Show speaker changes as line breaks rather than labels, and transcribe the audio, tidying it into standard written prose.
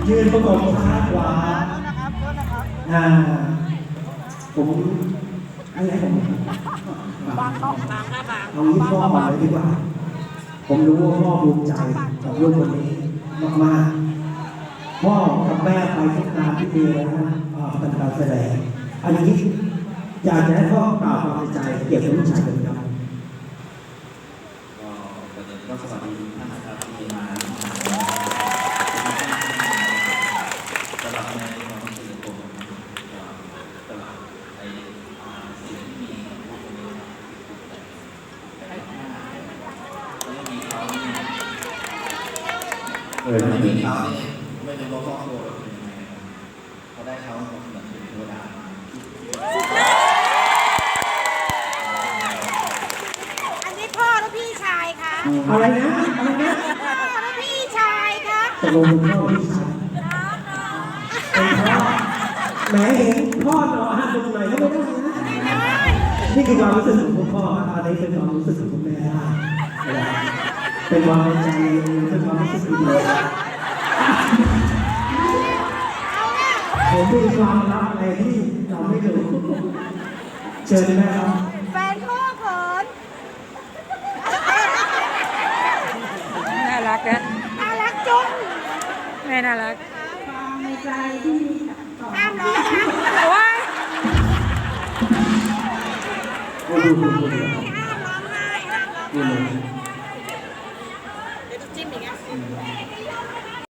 ยืนประกบซ้ายขวาผมอะไรผม
บางครับบาง
เอาที่พ่อมาเลยดีกว่าผมรู้ว่าพ่อภูมิใจกับลูกคนนี้มากๆพ่อกับแม่ไปทุกงานที่มีแล้วนะเป็นการแสดงอันนี้อยากจะให้พ่อกล่าวความในใจเกี่ยวกับลูกชายคนนี้ครับ
ก็สวัสดีทุกท่านนะครับที่มาตลอดในความรู้สึกผมตลอดในสิ่งที่มีผู้คนนี้ไม่มีเขาไม่มีเขาเนี่ยไม่รู้ว่าครอบครัวเป็นยังไงเขาได้เขาเหมือนเป็นเทวดา
อันนี้พ่อและพี่ชายคะ
อะไรนะอะไรนะ
พ่อและพี่ชายคะ
ตกลงเป็นพ่อพี่ชายเป็นพ่อแหมเห็นพ่อหนอหันตรงไหนก็ไม่ได้นะนี่คือความรู้สึกของคุณพ่ออันนี้เป็นความรู้สึกของคุณแม่เป็นความในใจเป็นความรู้สึกดีผมมีความลับอะไรที่เราไม่รู้เชิญแม่ครับ
แฟนพ่อเขิน
น่ารักนะ
น่ารักจุ๊บ
แม่น่ารัก
ความในใจที่ห้ามร้องนะ
ว้าย
ห้ามร้องไห้ห้ามร้องไห้